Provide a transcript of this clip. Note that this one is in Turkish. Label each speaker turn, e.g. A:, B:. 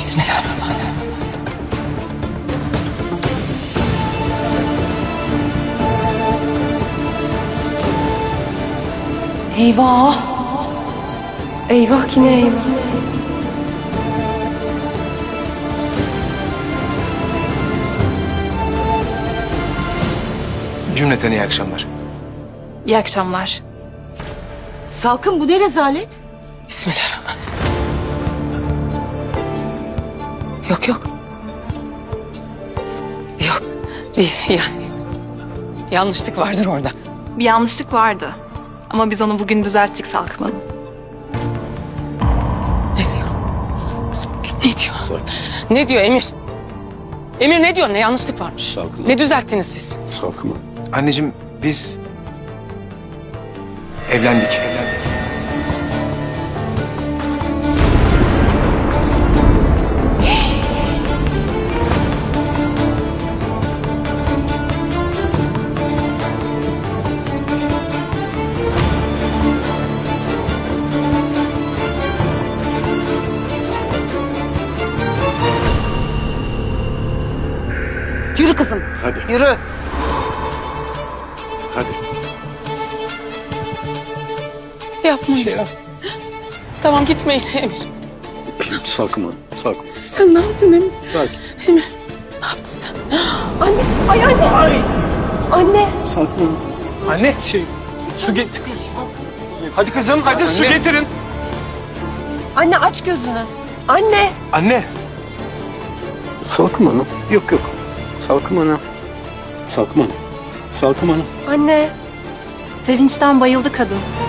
A: Bismillahirrahmanirrahim. Eyvah. Eyvah yine eyvah.
B: Cümleten iyi akşamlar.
C: İyi akşamlar.
D: Salkım bu ne rezalet?
A: Bismillahirrahmanirrahim. Yok yok. Yok. Yanlışlık vardır orada.
C: Bir yanlışlık vardı. Ama biz onu bugün düzelttik Salkım Hanım.
A: Ne diyor? Ne diyor? Ne diyor Emir? Emir ne diyor? Ne yanlışlık varmış?
E: Salkım.
A: Ne düzelttiniz siz?
E: Salkım.
B: Anneciğim biz evlendik.
D: Yürü kızım.
E: Hadi.
D: Yürü.
E: Hadi.
A: Yapmayın. Tamam gitmeyin Emir.
E: Salkım. Salkım.
A: Sen ne yaptın Emir?
E: Sakin.
A: Emir ne yaptın sen?
D: Anne. Ay anne. Anne.
E: Salkım.
F: Anne, su getir. Hadi kızım, hadi su getirin.
D: Anne aç gözünü. Anne.
B: Anne.
E: Salkım Hanım. Yok yok. Salkım Hanım. Salkım Hanım. Salkım Hanım.
D: Anne.
C: Sevinçten bayıldı kadın.